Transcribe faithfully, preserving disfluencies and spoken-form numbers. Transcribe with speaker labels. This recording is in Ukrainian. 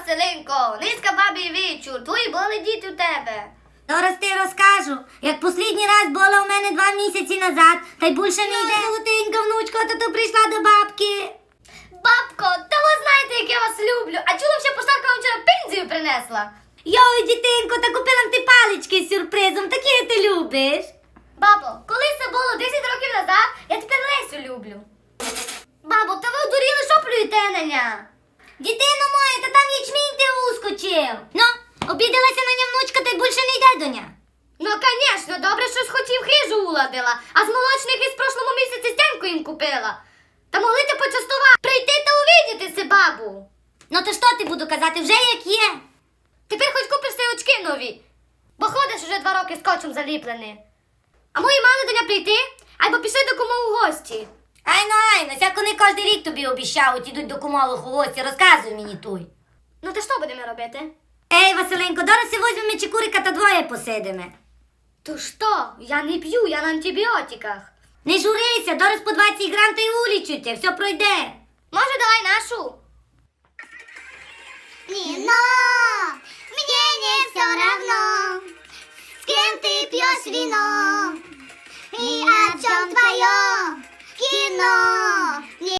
Speaker 1: Василинко, низька бабі вечір, твої були діти у тебе.
Speaker 2: Зараз ти розкажу, як послідній раз була у мене два місяці назад, та й більше не йде. Золотенька внучка, то то прийшла до бабки.
Speaker 1: Бабко, та ви знаєте, як я вас люблю. А чула, що поштарка вам вчора пензію принесла?
Speaker 2: Йой, дітинко, та купила ти палички з сюрпризом, такі ти любиш.
Speaker 1: Бабо, коли це було десять років назад, я тепер Лесю люблю. Бабо, та ви одуріли, що плюєте на ня?
Speaker 2: Дітино моя, та там ячмінь ти ускочив. Ну, обідалася на ня внучка, та й більше не йде до ня.
Speaker 1: Ну, звісно, добре, що хотів хижу уладила, а з молочних із прошлому місяці стянку їм купила. Та могли ти почастувати, прийти та увидіти си, бабу.
Speaker 2: Ну то що ти буду казати, вже як є.
Speaker 1: Тепер хоч купиш си очки нові, бо ходиш уже два роки скотчем заліплений. А мої мали до ня прийти, або пішли до кому у гості.
Speaker 2: Айно, айно, сяк вони кожен рік тобі обіщають, ідуть до кумових у гості, розказуй мені туй.
Speaker 1: Ну, то що будемо робити?
Speaker 2: Ей, Василенко, зараз візьмемо чекурика та двоє посидимо.
Speaker 1: То що? Я не п'ю, я на антибіотиках.
Speaker 2: Не журися, зараз по двадцять грам та й улічуйте, все пройде.
Speaker 1: Може, давай нашу?
Speaker 3: Нино, мне не все равно, с кем ты пьешь вино и о чем твое кино.